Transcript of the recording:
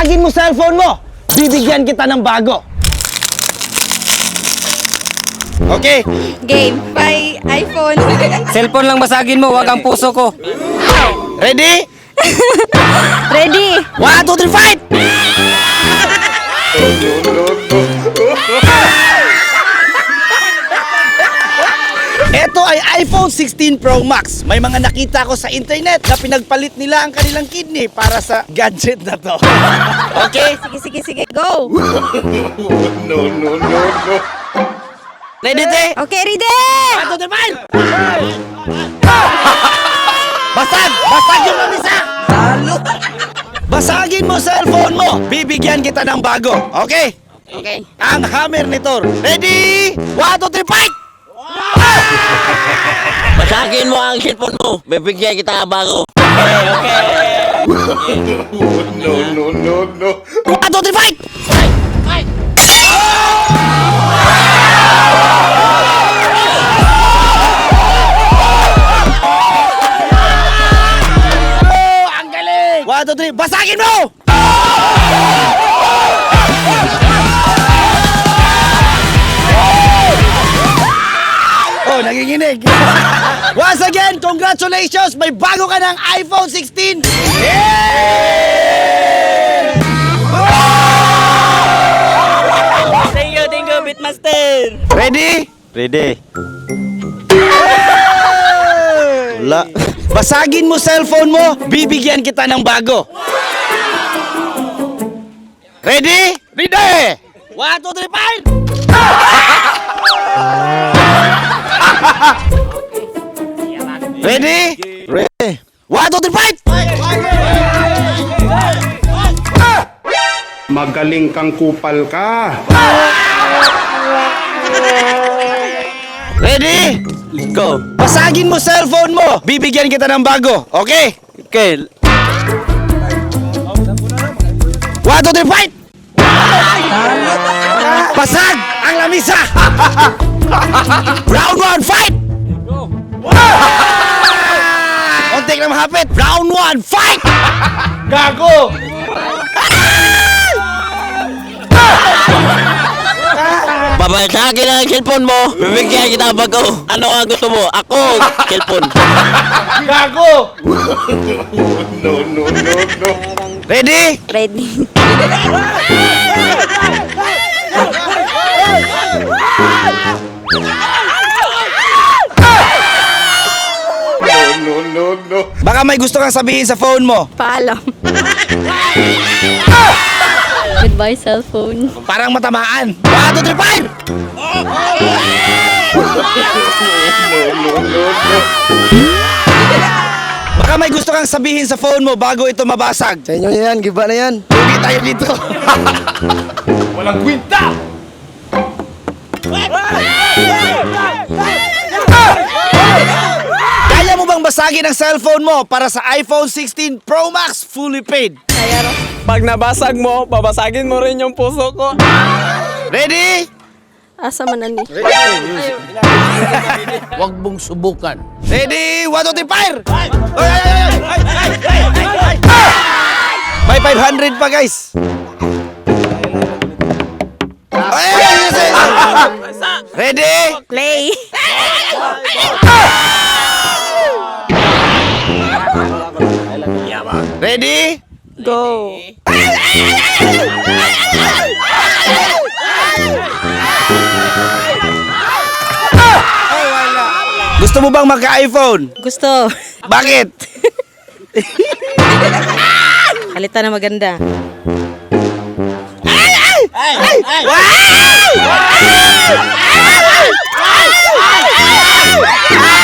Basagin mo cellphone mo! Bibigyan kita ng bago! Okay? Game. Bye, iPhone. Cellphone lang basagin mo, wag ang puso ko. Ready? Ready? 1, 2, 3, fight! Ito ay iPhone 16 Pro Max. May mga nakita ko sa internet na pinagpalit nila ang kanilang kidney para sa gadget na to. Okay? Sige. Go. Ready, te? Okay, ready? 1, 2, 3, fight! Basag yung mamisa! Basagin mo cellphone mo. Bibigyan kita ng bago. Okay? Okay. Ang hammer nito. Ready? 1, 2, 3, fight! Basagin mo ang cellphone mo. Bibigyan kita bago. No. 1, 2, 3, fight! Oh, ang galing! 1, 2, 3, basagin mo! Oh, nanginginig. Once again, congratulations! May bago ka ng iPhone 16! Thank you, Bitmaster. Ready? Ready. Wala. Basagin mo cellphone mo, bibigyan kita ng bago. Ready? Ready! 1, 2, 3, fight! Ready? Ready. 1, 2, 3, fight! Magaling kang kupal ka. Ready? Go. Basagin mo cellphone mo, bibigyan kita ng bago. Okay? Okay. 1, 2, 3, fight! Basag ang lamisa! Round 1, fight! Kontik na mahapit. Round 1, fight! Gago! Babasagin ang cellphone mo. Bibigyan kita bago. Ano ang gusto mo? Ako, cellphone. Gago! Ready? Ready. Baka may gusto kang sabihin sa phone mo. Paalam. Goodbye, cellphone. Parang matamaan. 1, 2, 3, fight! Baka may gusto kang sabihin sa phone mo bago ito mabasag. Sa inyo yan, giba na yan. Lugi tayo dito. Walang kwinta! Kaya mo bang basagin ang cellphone mo para sa iPhone 16 Pro Max fully paid? Pag nabasag mo, babasagin mo rin yung puso ko. Ready? Asa man ani? Huwag mong subukan. Ready? 1, 2, 3, fire! May 500 pa, guys. Ready? Play. Ready? Go. Gusto mo bang magka-iPhone? Gusto. Bakit? Halita na maganda. Wow!